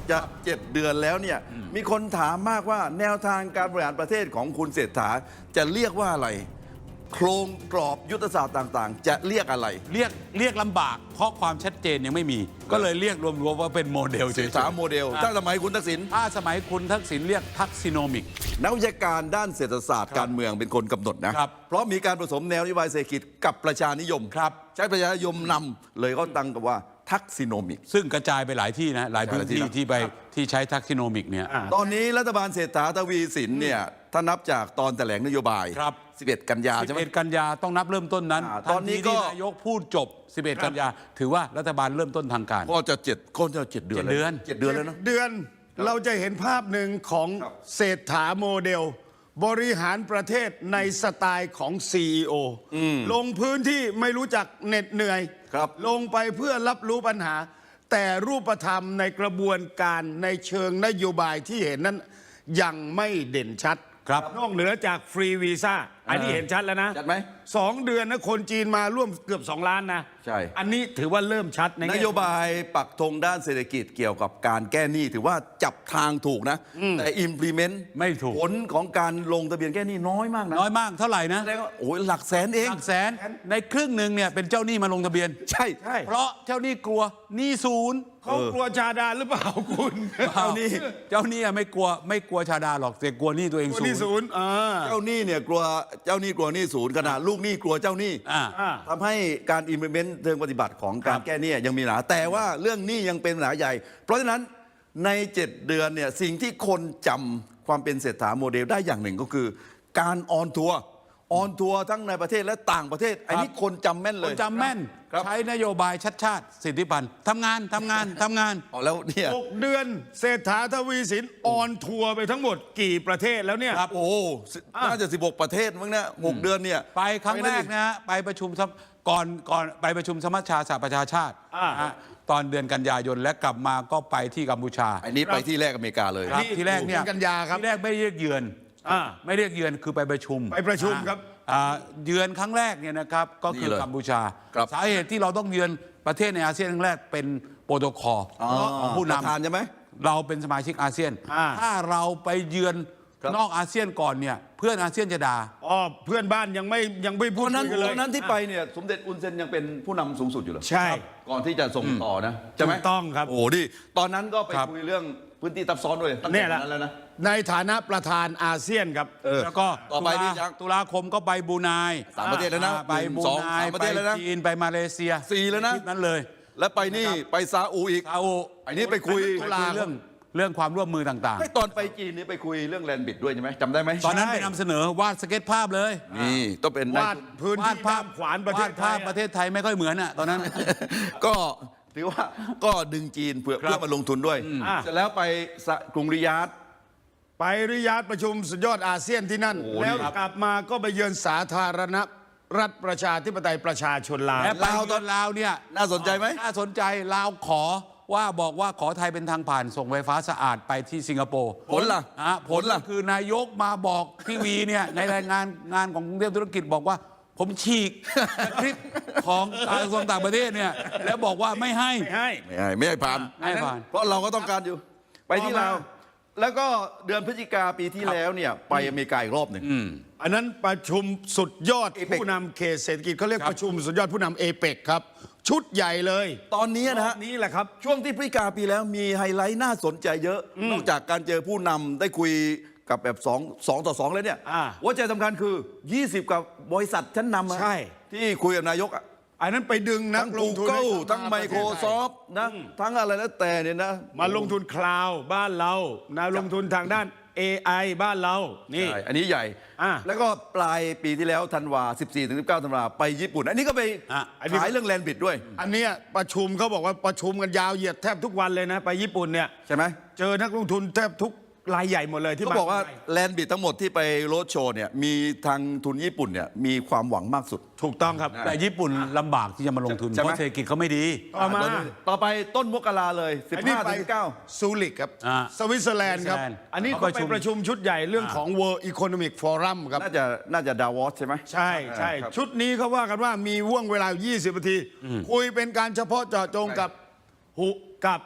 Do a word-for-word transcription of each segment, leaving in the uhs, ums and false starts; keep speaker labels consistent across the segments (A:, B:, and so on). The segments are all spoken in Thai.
A: จะเจ็ดเดือนแล้วเนี่ยมีคนถามมากว่าแนวทางการบริหารประเทศของคุณเศรษฐาจะเรียกว่าอะไรโครงกรอบยุทธศาสตร์ต่างๆจะเรียกอะไร
B: เรียกเรียกลำบากเพราะความชัดเจนยังไม่มีก็เลยเรียกรวมๆว่าเป็นโมเดล
A: เศรษฐาโมเดลถ้าสมัยคุณทักษิณ
B: ถ้าสมัยคุณทักษิณเรียกทักซิโนมิก
A: นักวิชาการด้านเศรษฐศาสตร์การเมืองเป็นคนกำหนดนะเพราะมีการผสมแนวนโยบายเศรษฐกิจกับประชานิยมใช้ประชานิยมนำเลยก็ตั้งกับว่าทักซิโนมิก
B: ซึ่งกระจายไปหลายที่นะหลายพื้นที่ที่ไปที่ใช้ทักซิโนมิกเนี่ย
A: ตอนนี้รัฐบาลเศรษฐาทวีสินเนี่ยถ้านับจากตอนแถลงนโยบายสิบเอ็ดกันยาใช่ไหม
B: สิบเอ็ดกันยาต้องนับเริ่มต้นนั้นตอนนี้ก็นายกพูดจบสิบเอ็ดกันยาถือว่ารัฐบาลเริ่มต้นทางการ
A: ก็จะเจ็ดก็จะเจ็ดเดือน
B: เดือน
A: เจ็ดเดือนแล้วนะ
C: เดือนเราจะเห็นภาพหนึ่งของเศรษฐาโมเดลบริหารประเทศในสไตล์ของ ซี อี โอ ลงพื้นที่ไม่รู้จักเหน็ดเหนื่อยลงไปเพื่อรับรู้ปัญหาแต่รูปธรรมในกระบวนการในเชิงนโยบายที่เห็นนั้นยังไม่เด่นชัดนอกเหนือจากฟรีวีซ่าอันนี้เห็นชัดแล้วนะ
A: ชัดไหม
C: สองเดือนนะคนจีนมาร่วมเกือบสองล้านนะ
A: ใช่
C: อันนี้ถือว่าเริ่มชัดใน
A: นโยบายปักธงด้านเศรษฐกิจเกี่ยวกับการแก้หนี้ถือว่าจับทางถูกนะแต่ implement
B: ไม่ถูก
A: ผลของการลงทะเบียนแก้หนี้น้อยมากนะ
B: น้อยมากเท่าไหร่นะ
A: โอ้ยหลักแสนเอง
B: หลักแสนในครึ่งหนึ่งเนี่ยเป็นเจ้าหนี้มาลงทะเบียน
A: ใช่
C: ใช่
B: เพราะเจ้าหนี้กลัวหนี้ศูนย์
C: เขากลัวชาดาหรือเปล่าคุณ
B: เจ้าหนี้เจ้าหนี้ไม่กลัวไม่กลัวชาดาหรอกแต่กลัวหนี้ตัวเอง
C: ศูนย์
A: เจ้าหนี้เนี่ยกลัวเจ้าหนี้กลัวหนี้ศูนย์ขนาดลูกหนี้กลัวเจ้าหนี้ทำให้การ implement เชิงปฏิบัติของการแก้หนี้ยังมีปัญหาแต่ว่าเรื่องหนี้ยังเป็นปัญหาใหญ่เพราะฉะนั้นในเจ็ดเดือนเนี่ยสิ่งที่คนจำความเป็นเศรษฐาโมเดลได้อย่างหนึ่งก็คือการออนทัวร์ออนทัวร์ทั้งในประเทศและต่างประเทศอันนี้คนจำแม่นเลย
B: จำแม่นใช้นโยบายชัดชาติสิทธิพันธ์ทำงานทำงานทำงาน
A: อ๋อแล้วเนี่ย
C: หกเดือนเศรษฐาทวีสินออนทัวร์ไปทั้งหมดกี่ประเทศแล้วเนี่ย
A: ครับโอ้น่าจะสิบหกประเทศมั้งเนี่ยหกเดือนเนี่ย
B: ไปครั้งแรกนะฮะไปประชุมก่อนก่อนไปประชุมสมัชชาสหประชาชาติตอนเดือนกันยายนและกลับมาก็ไปที่กัมพูชา
A: อันนี้ไปที่แรกอเมริกาเลย
B: ที่แรกเนี่ย
C: กันยาครับ
B: ที่แรกไม่เรียกเยือนไม่เรียกเยือนคือไปประชุม
C: ไปประชุมครับ
B: เยือนครั้งแรกเนี่ยนะครับก็คือกัมพูชาสาเหตุที่เราต้องเยือนประเทศในอาเซียนครั้งแรกเป็นโปรโตคอลของผู้นำ
A: ใช่ไหม
B: เราเป็นสมาชิกอาเซียนถ้าเราไปเยือนนอกอาเซียนก่อนเนี่ยเพื่อนอาเซียนจะด่า
C: อ๋อเพื่อนบ้านยังไม่ยังไม่พูด
A: กันเลย
C: ต
A: อนนั้นที่ไปเนี่ยสมเด็จอุนเซนยังเป็นผู้นำสูงสุดอยู่เหรอ
C: ใช่
A: ก่อนที่จะส่งต่อนะ
C: ใช่ไหมต้องครับ
A: โอ้ดิตอนนั้นก็ไปคุยเรื่องพื้นที่ซับซ้อนด้วย
C: ตั้งแต่นั้นแล้วนะในฐานะประธานอาเซียนครับ
B: แล้วก็
A: ต่อไปนี่
B: ตุลาคมก็ไปบูไน
A: สามประเทศแล้วนะ
B: ไปบูไนไปจีนไปมาเลเซีย
A: สี่แล้วนะ
B: นั้นเลย
A: แล้วไปนี่ไปซาอุอีก
B: ซาอุ
A: อันนี้ไปคุย
B: เรื่องเรื่องความร่วมมือต่าง
A: ๆไม่ตอนไปจีนนี่ไปคุยเรื่องแลนด์บิดด้วยใช่ไหมจำได้ไหม
B: ตอนนั้นไปนำเสนอวาดสเก็ตภาพเลย
A: นี่ต้องเป็น
C: วาดพื้นที่ภาพขวานประเทศไทย
B: ประเทศไทยไม่ค่อยเหมือนอ่ะตอนนั้น
A: ก็ถือว่าก็ดึงจีนเพื่อเพื่อมาลงทุนด้วยเสร็จแล้วไปกรุงริยาด
C: ไปริยาดประชุมสุดยอดอาเซียนที่นั่นแล้วกลับมาก็ไปเยือนสาธารณรัฐประชาธิปไตยประชาชนลาว
B: ลาวตอนลาวเนี่ย
A: น่าสนใจไหม
B: น่าสนใจลาวขอว่าบอกว่าขอไทยเป็นทางผ่านส่งไฟฟ้าสะอาดไปที่สิงคโปร์
A: ผลล่ะ
B: ผลล่ะคือนายกมาบอกทีวีเนี่ยในรายงานงานของกรุงเทพธุรกิจบอกว่าผมฉีกคลิปของกระทรวงต่างประเทศเนี่ยแล้วบอกว่าไม่ให้
C: ไม่ให้
A: ไม่ให้ไม่ให้ผ่าน
B: ไม่ผ่าน
A: เพราะเราก็ต้องการอยู่ไปที่ลาวแล้วก็เดือนพฤศจิกาปีที่แล้วเนี่ยไปอเมริกาอีกรอบหนึ่ง
C: อันนั้นประชุมสุดยอดผู้นำเขตเศรษฐกิจเขาเรียกประชุมสุดยอดผู้นำเอเปกครับชุดใหญ่เลย
A: ตอนนี้นะฮะ
C: นี่แหละครับ
A: ช่วงที่พฤศจิกาปีแล้วมีไฮไลท์น่าสนใจเยอะนอกจากการเจอผู้นำได้คุยกับแบบสอง สองต่อสองเลยเนี่ยหัวใจสำคัญคือยี่สิบกับบริษัทชั้นนำ
C: ใช่
A: ที่คุยกับนายกอ่ะ
C: อันนั้นไปดึงนักลงทุน
A: ทั้ง Microsoft นะทั้งอะไรแล้วแต่เนี่ยนะ
C: มาลงทุนคลาวด์บ้านเรานะลงทุนทางด้าน เอ ไอ บ้านเรานี่
A: อันนี้ใหญ่แล้วก็ปลายปีที่แล้วธันวา สิบสี่ถึงสิบเก้า ธันวาไปญี่ปุ่นอันนี้ก็ไปขายเรื่องแลนด์บิดด้วย
C: อันนี้ประชุมเขาบอกว่าประชุมกันยาวเหยียดแทบทุกวันเลยนะไปญี่ปุ่นเนี่ย
A: ใช่ไหม
C: เจอนักลงทุนแทบทุกรายใหญ่หมดเลยที่
A: เขาบอกว่าแลนด์บิดทั้งหมดที่ไปโรดโชว์เนี่ยมีทางทุนญี่ปุ่นเนี่ยมีความหวังมากสุด
C: ถูกต้องครับ
B: แต่ญี่ปุ่นลำบากที่จะมาลงทุนเพราะเศรษฐกิจเขาไม่ดี
C: ต่อมา
A: ต่อไปต้นมกราเลยสิบห้าถึงสิบเก้า
C: ซูริกครับสวิตเซอร์แลนด์ครับอันนี้ก็ไปประชุมชุดใหญ่เรื่องของ World Economic Forum ครับ
A: น่าจะน่าจะดาวอสใช่ไหม
C: ใช่ใช่ชุดนี้เขาว่ากันว่ามีว่วงเวลายี่สิบนาทีคุยเป็นการเฉพาะเจาะจงกับหุกับฮ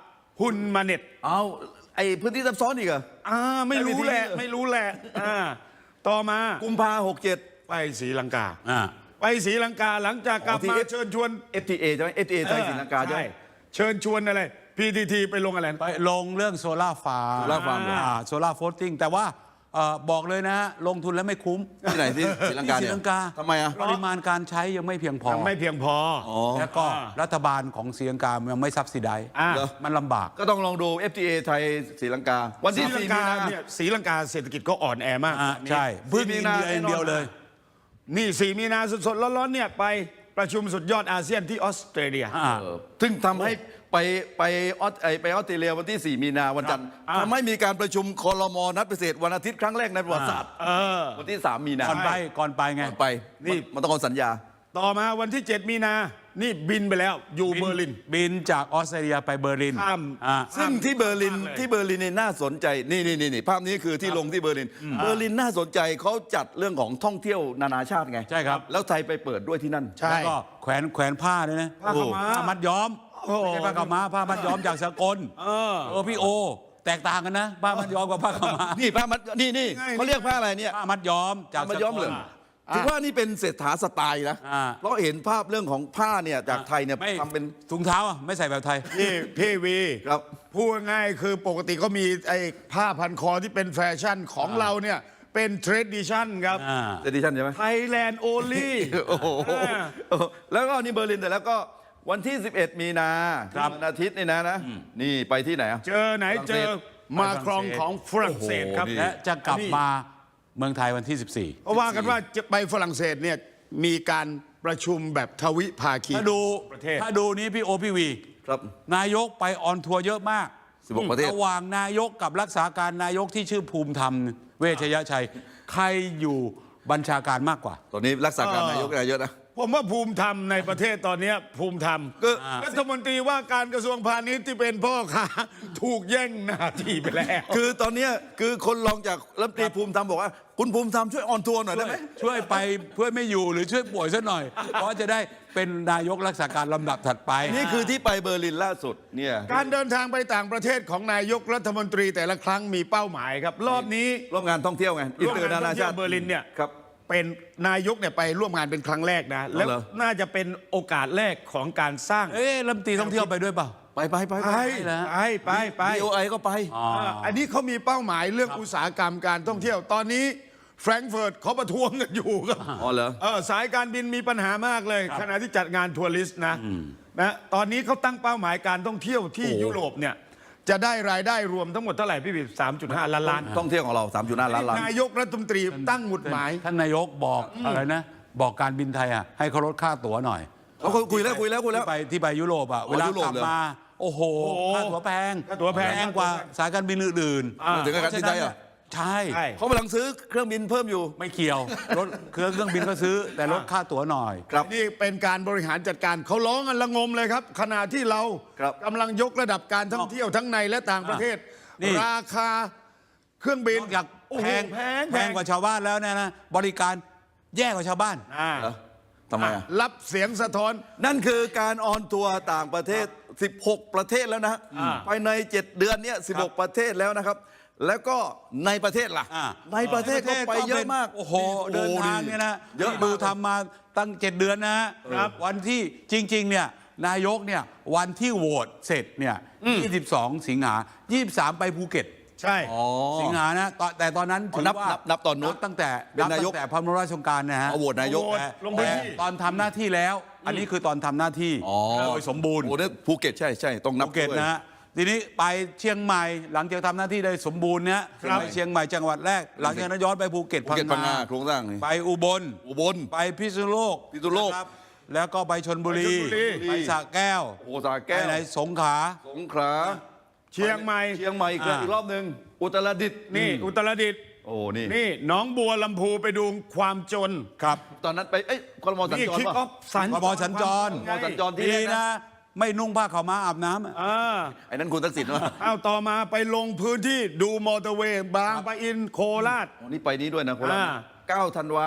C: ฮุนมาเน็ต
A: เอาไอ้พื้นที่ซับซ้อนอีกเหรอ
C: อ่าไม่รู้แหละ
A: ไม่มีที่
C: ไม่รู้แหละอ่าต่อมา
A: กุมภาหกเจ็ด
C: ไปศรีลังกา
B: อ่า
C: ไปศรีลังกาหลังจากกลับ
A: อ๋อที่
C: มา
A: F-
C: เชิญชวน
A: เอฟ ที เอ ใช่ไหม เอฟ ที เอ ไทยศรีลังกาใช่ไหม
C: เชิญชวนอะไร พี ที ที ไปลงอะไรนะ
B: ไปลงเรื่องโซล่าฟาร์ม
A: Solar farm เหรอ
B: โซล่าโฟลติ้งแต่ว่าเอ่อบอกเลยนะฮะลงทุนแล้วไม่คุ้ม
A: ที่ไหนที่ศรีลังกา
B: ที่ศรี
A: เนี่ย
B: ลังกา
A: ทำไมอ่ะ
B: ปริมาณการใช้ยังไม่เพียงพอ
C: ไม่เพียงพอ
A: อ๋อ
B: แล้วก็
C: อ่า
B: รัฐบาลของศรีลังกายังไม่ซับซิได
C: อ่า
A: เหรอ
B: มันลำบาก
A: ก็ต้องลองดู เอฟ ที เอ ไทยศรีลังกา วัน
C: ศรี
A: ที่
C: ลัง
A: สี่
C: กา
A: มีนา
C: เนี่ยศรีลังกาเศรษฐกิจก็อ่อนแอมาก
B: อ่า
C: ตอนนี้
B: ใช่เพิ่ง
A: มี
B: อิน
A: นา
B: เดียอย่างเดียวเลย
C: นี่สี่มีนาสดๆร้อนๆเนี่ยไปประชุมสุดยอดอาเซียนที่ออสเตรเลีย
B: อ่า
A: เออซึ่งทำให้ไปไปออสไอไปออสเตรเลียวันที่ สี่ มีนาวันจันทร์
C: อ่า
A: ทำให้มีการประชุมคอรมอนัดพิเศษวันอาทิตย์ครั้งแรกในประวัติศาสตร์
C: เออ
A: วันที่ สาม มีนา
B: ก่อนไปก่อนไปไง
A: ก่อนไป
C: นี่
A: มันต้องเอาสัญญา
C: ต่อมาวันที่ เจ็ด มีนา นี่บินไปแล้วอยู่เบอร์ลิน
B: บินจากออสเตรเลียไปเบอร์ลิน
C: ข้าม
B: อ่า
A: ซึ่งที่เบอร์ลิน
C: มากเลย
A: ที่เบอร์ลินเนี่ยน่าสนใจนี่นี่นี่นี่ภาพนี้คือที่ลงที่เบอร์ลิน เบอร์ลินน่าสนใจเขาจัดเรื่องของท่องเที่ยวนานาชาติไง
B: ใช่ครับ
A: แล้วไทยไปเปิดด้วยที่นั่น
C: ใช่
B: แล้วก็แขวนแขวนผ้าด้วยนะ
C: ผ้าขาวม้า
B: ผ้ามัดย้อม
C: โอ้โห
B: ไม่ใช่ผ้าขาวม้าผ้ามัดย้อมจากสากล
C: เออ
B: เออพี่โอ แตกต่างกันนะผ้ามัดย้อมกับผ้าขาวม้า
A: นี่ผ้ามัดนี่นี่
C: ง่ายๆ
A: เขาเรียกผ้าอะไรเนี่ย
B: ผ้ามัดย้อมจาก
A: ผ้ามัดย้อมเหรอ
B: สากล
A: ถือว่านี่เป็นเศรษฐาสไตล์นะ
B: อ่า
A: เพราะเห็นภาพเรื่องของผ้าเนี่ยจากไทยเนี่ย
B: ไม่
A: ทำเป็น
B: ถุงเท้าอ่ะไม่ใส่แบบไทย
C: นี่พี่วี
A: ครับ
C: พูดง่ายๆคือปกติก็มีไอ้ผ้าพันคอที่เป็นแฟชั่นของเราเนี่ยเป็นเทรดดิชั่นครับ
B: อ่า
A: เจดิชันใช่ไหม
C: ไทยแลนด์โอลี่
A: โอ้โหแล้วก็นี่เบอร์ลินแต่แล้วก็วันที่ สิบเอ็ด มีนา
B: ครับ
A: วันอาทิตย์นี่นะนะนี่ไปที่ไหนอ่ะ
C: เจอไหนเจอมาครองของฝรั่งเศสครับ
A: โอ้โหนี่
B: และจะกลับมาเมืองไทยวันที่ สิบสี่
C: เพราะว่ากันว่าจะไปฝรั่งเศสเนี่ยมีการประชุมแบบทวิภาคี
B: ถ้าดู
C: ประเทศ
B: ถ้าดูนี้พี่โอพี่วี
A: ครับ
B: นายกไปออนทัวร์เยอะมาก
A: สิบหกประเทศ
B: ระหว่างนายกกับรักษาการนายกที่ชื่อภูมิธรรมเวชยชัย ใครอยู่บัญชาการมากกว่า
A: ตอนนี้รักษาการนายกนายเยอะนะ
C: ผมว่าภูมิธรรมในประเทศตอนเนี้ยภูมิธรรม
A: ก็
C: รัฐมนตรีว่าการกระทรวงพาณิชย์ที่เป็นพ่อค้าถูกแย่งหน้าที่ไปแล้ว
A: คือตอนเนี้ยคือคนรองจากรัฐมนตรีภูมิธรรมบอกว่าคุณภูมิธรรมช่วยออนทัวร์หน่อยได้ไหม
B: ช่วยไปเพื่อไม่อยู่หรือช่วยป่วยสักหน่อย เพราะจะได้เป็นนายกรักษาการลำดับถัดไป
A: นี่คือที่ไปเบอร์ลินล่าสุดเนี่ย
C: การเดินทางไปต่างประเทศของนายกรัฐมนตรีแต่ละครั้งมีเป้าหมายครับ รอบนี้
A: ร่วมงานท่องเที่ยวไงอินเตอร์นานาชาติ
C: เบอร์ลินเนี่ย
A: ครับ
C: เป็นนายกเนี่ยไปร่วมงานเป็นครั้งแรกนะ แล้ว
A: เหรอ
C: น่าจะเป็นโอกาสแรกของการสร้าง
B: เอ๊ะลำตีท่องเที่ยวไปด้วยเปล่า
A: ไปไปไป
C: ไป
B: เหรอ
C: ไปไปไป
A: บีโอไอก็ไป
B: อ๋อ
C: อ่าอันนี้เขามีเป้าหมายเรื่องอุตสาหกรรมการท่องเที่ยวตอนนี้แฟรงก์เฟิร์ตเขาประท้วงกันอยู่ครับ
A: อ๋อเหรอ
C: เออสายการบินมีปัญหามากเลย ขณะที่จัดงานทัวริสต์นะนะตอนนี้เขาตั้งเป้าหมายการท่องเที่ยวที่
A: โอ้
C: ยุโรปเนี่ยจะได้รายได้รวมทั้งหมดเท่าไหร่พี่บิ๊สามจุดห้าล้านล้าน
A: ท่องเที่ยวของเราสามจุดห้าล้านล้าน
C: นายกรัฐมนตรีตั้งหมุดหมาย
B: ท่านนายกบอกอะไรนะ บอกการบินไทยอ่ะให้เขาลดค่าตั๋วหน่อย
A: เขาคุยแล้วคุยแล้วคุยแล้ว
B: ที่ไปที่ไปยุโรปอ่ะ
A: อ๋อ
B: เวลา
A: ยุโร
B: ก
A: ป
B: ลับ
A: เหรอ
B: มา โอ้โห
C: โอ้โห
B: ค่าตั๋วแพง
C: ค่าตั๋วแพง
B: กว่าสายการบินอื่น
C: อ่า
A: ถึงกับการบินไทยเหรอ
B: ใช่
C: ใช่
A: เขากำลังซื้อเครื่องบินเพิ่มอยู่
B: ไม่เกี่ยวรถเครื่องเครื่องบินก็ซื้อ แต่ลดค่าตั๋วหน่อย
A: ครับ
C: นี่เป็นการบริหารจัดการเขาร้องกันละงมเลยครับ ขณะที่เรา
A: ครับ
C: กำลังยกระดับการท่องเที่ยวทั้งในและต่างประเทศ
B: นี่
C: ราคาเครื่องบิน
B: นอกจาก
C: โอ้โห
B: แพง
C: แพง
B: แพงกว่าชาวบ้านแล้วเนี่ยนะบริการแย่กว่าชาวบ้าน
C: อ่า
A: เหรอทำไมอ่ะ
C: รับเสียงสะท้อน
A: นั่นคือการออนทัวร์ต่างประเทศ สิบหก ประเทศแล้วนะ
C: อ่า
A: ภายใน เจ็ด เดือนเนี้ยสิบหก ประเทศแล้วนะครับ แล้วก็ในประเทศล่ะ
B: อ่า
A: ในประเทศก็ไปเยอะมาก
B: โอ้โห เดินทางเนี่ยนะ
A: เยอะ
B: ที่ดูทำมาตั้งเจ็ดเดือนนะฮะ
C: ครับ
B: วันที่จริง ๆ เนี่ยนายกเนี่ยวันที่โหวตเสร็จเนี่ยยี่สิบสอง สิงหายี่สิบสามไปภูเก็ต
C: ใช่
A: อ๋อ
B: สิงหานะตอนแต่ตอนนั้นถือ
A: นับ
B: ว่า
A: นับนับตอนนู้น
B: ตั้งแต่
A: เป็น
B: นับ
A: นายก
B: ตั้งแต่พระบรมราชโองการนะฮะ
A: เอาโหวตนายก
C: โหวต
B: แต่
C: ลงพื้น
B: แต่
C: ที่
B: ตอนทำหน้าที่แล้ว อันนี้คือตอนทำหน้าที่
A: อ๋อ
B: โดยสมบูรณ์
A: โอ้เนี่ยภูเก็ตใช่ใช่ต้องนับ
B: ภูเก็ต
A: ด้วย
B: นะฮะทีนี้ไปเชียงใหม่หลังจากทำหน้าที่ได้สมบูรณ์เนี่ย
C: ครับ
B: ไปเชียงใหม่จังหวัดแรก หลังจากนั้นย้อนไปภูเก็ต
A: ภูเก็ตพังงาโครงสร้างนี่
B: ไปอุบล
A: อุบล
B: ไปพิษณุโลก
A: พิษณุโลก
B: นะครับแล้วก็ไปชนบุรี
C: ไปชลบุรี
B: ไปสระแก้ว
A: โอ้สระแก้ว
B: ไปไหนสงขลา
A: สงขลา
C: เชียงใหม่
A: เชียงใหม่อีก
B: อ่า
A: อีกรอบหนึ่งอุตรดิตถ์
C: นี่อุตรดิตถ์
A: โอ้นี่
C: นี่หนองบัวลำพูไปดูความจน
B: ครับ
A: ตอนนั้นไปเอ้ยคอรมอสัญ
C: นี่
A: จร
C: คิก
A: ป่ะ
C: ออฟสัญ
B: พบสัญจร
A: คอรมอสัญจรที่
B: ดี
A: แรกนะ
B: นะ ไม่นุ่งผ้าขาวม้าอาบน้ำอะ
C: อ่า
A: ไอ้นั้นคุณทักษิณวะ
C: เอาต่อมาไปลงพื้นที่ดูมอเตอร์เวย์บางปะอินโคราช
A: อ๋อนี่ไปนี้ด้วยนะโคราช
C: อ่า
A: เก้าธันวา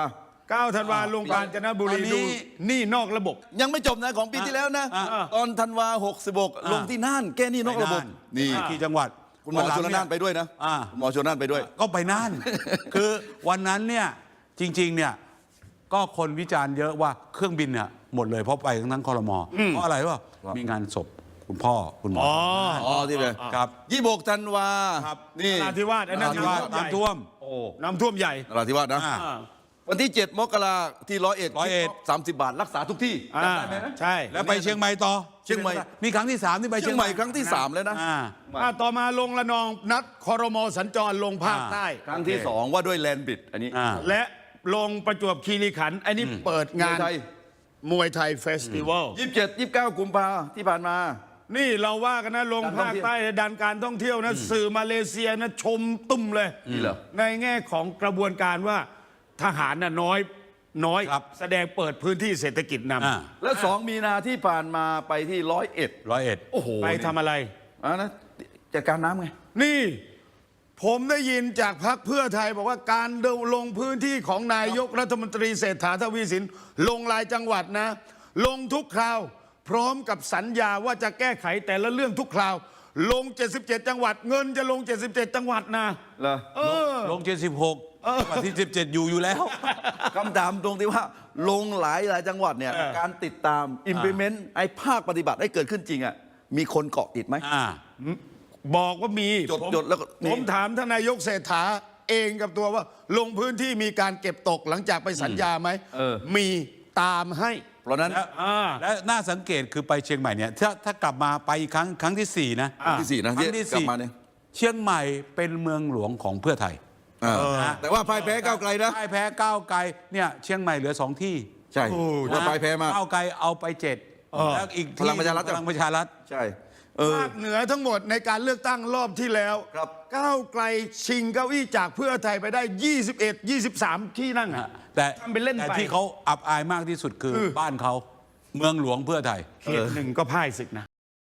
C: เก้าธันวาลงกาญจนบุรี
B: ตอนนี้
C: ดูหนี่นอกระบบ
A: ยังไม่จบนะของปีที่แล้วนะ
B: อ่ะ
A: ตอนธันวาหกสิบหกลงที่น่านแก้หนี้นอกระบบ นี่
B: กี่จังหวัด
A: คุณหมอชลน่านไปด้วยนะ
B: อ่า
A: คุณหมอชลน่านไปด้วย
B: ก็ไปน่าน คือวันนั้นเนี่ยจริงๆเนี่ยก็คนวิจารณ์เยอะว่าเครื่องบินเนี่ยหมดเลยเพราะไปทั้งนั้นคอรมอเพราะอะไรวะมีงานศพคุณพ่อคุณหมอ
C: อ๋อ
A: อ๋อที่เลย
B: ครับ
A: ยี่สิบหกธันวา
B: ครับ
A: นี่
C: นราธิวาสอันนั้น
B: ที่ว่า
C: น้ำท่วม
B: น้ำท่วม โอ้
C: น้ำท่วมใหญ่
A: นราธิวาสนะ
B: อ่า
C: อ่า
A: วันที่เจ็ดมกราที่ร้อยเอ็ด
B: ร้อยเอ็ด
A: สามสิบบาทรักษาทุกที่
C: อ่าใช่
B: แล้วไปเชียงใหม่ต่อ
A: เชียงใหม่
B: นี่ครั้งที่สามที่ไป
A: เชียงใหม่ครั้งที่สามแล้วนะ
B: อ่า
C: อ่าต่อมาลงละนองนัดคอรมอสัญจรลงภาค
B: อ่า
C: ใต้
A: ครั้งที่สองว่าด้วยแลนด์บิดอันนี้
B: อ่า
C: และลงประจวบคีรีขันธ์อันนี้เปิดงาน
A: มวยไทย
C: มวยไทยเฟสติวัล
A: ยี่สิบเจ็ดยี่สิบเก้ากุมภาที่ผ่านมา
C: นี่เราว่ากันนะลง
A: การท่อง
C: ภาค
A: เที่ยว
C: ใต้ดันการท่องเที่ยวนะสื่อมาเลเซียนะชมตุ้มเลย
A: นี่เหรอ
C: ในแง่ของกระบวนการว่าทหารน่ะน้อยน้อย
B: ครับ
C: แสดงเปิดพื้นที่เศรษฐกิจน
B: อ่า
A: แล้วสองมีนาที่ผ่านมาไปที่ร้อยเอ็ด
B: ร้อยเอ็ด
A: โอ้โห
C: ำไปทำอะไร
A: อ่านะจัดการน้ำไง
C: นี่ผมได้ยินจากพรรคเพื่อไทยบอกว่าการลงพื้นที่ของนายกรัฐมนตรีเศรษฐาทวีสินลงรายจังหวัดนะ ลงทุกคราว พร้อมกับสัญญาว่าจะแก้ไขแต่ละเรื่องทุกคราว ลง เจ็ดสิบเจ็ด จังหวัด เงินจะลง เจ็ดสิบเจ็ด จังหวัดนะ
A: เหรอ
C: เออ
B: ลงเจ็ดสิบหกวันที่สิบเจ็ดอยู่อยู่แล้ว
A: คำถามตรงที่ว่าลงหลายหลายจังหวัดเนี่ย
C: เออ
A: การติดตาม implement ไอ้ภาคปฏิบัติให้เกิดขึ้นจริงอ่ะมีคนเกาะติดไหม
B: อ่า
C: บอกว่ามี
A: จด
C: ผม
A: จดแล้วก็นี่
C: ผมถามท่านนายกเศรษฐาเองกับตัวว่า ลงพื้นที่มีการเก็บตกหลังจากไปสัญญาไหม
A: เออ
C: มีตามให้
A: เพราะฉะนั้น
B: และ
C: อ่า
B: และน่าสังเกตคือไปเชียงใหม่เนี่ยถ้าถ้ากลับมาไปอีกครั้งครั้งที่สี่นะ
A: ครั้งที่สี่นะ
B: ครั้งที่
A: กลับ
B: สี่
A: มาเนี่ย
B: เชียงใหม่เป็นเมืองหลวงของเพื่อไทย
A: อ่า
B: นะ
A: แต่ว่าพ่ายแพ้ก้าวไกลนะ
B: พ่ายแพ้ก้าวไกลเนี่ยเชียงใหม่เหลือสองที่
A: ใช่
C: โอ้
A: ว่าพ่ายแพ้มาก
B: ก้าวไกลเอาไปเจ็ดแล้วอีกที่
A: พลังประชารัฐ
B: พลังประชารัฐ
A: ใช่เออ
C: ภาคเหนือทั้งหมดในการเลือกตั้งรอบที่แล้ว
A: ครับ
C: ก้าวไกลชิงเก้าอี้จากเพื่อไทยไปได้ ยี่สิบเอ็ด ยี่สิบสาม ที่นั่งอะ
B: แต่
C: ทำเป็นเล่น
B: แต่
C: ไป
B: ที่เขาอับอายมากที่สุดคือ
C: คือ
B: บ้านเขาเมืองหลวงเพื่อไทย
C: เขตหนึ่งก็พ่ายศึกนะ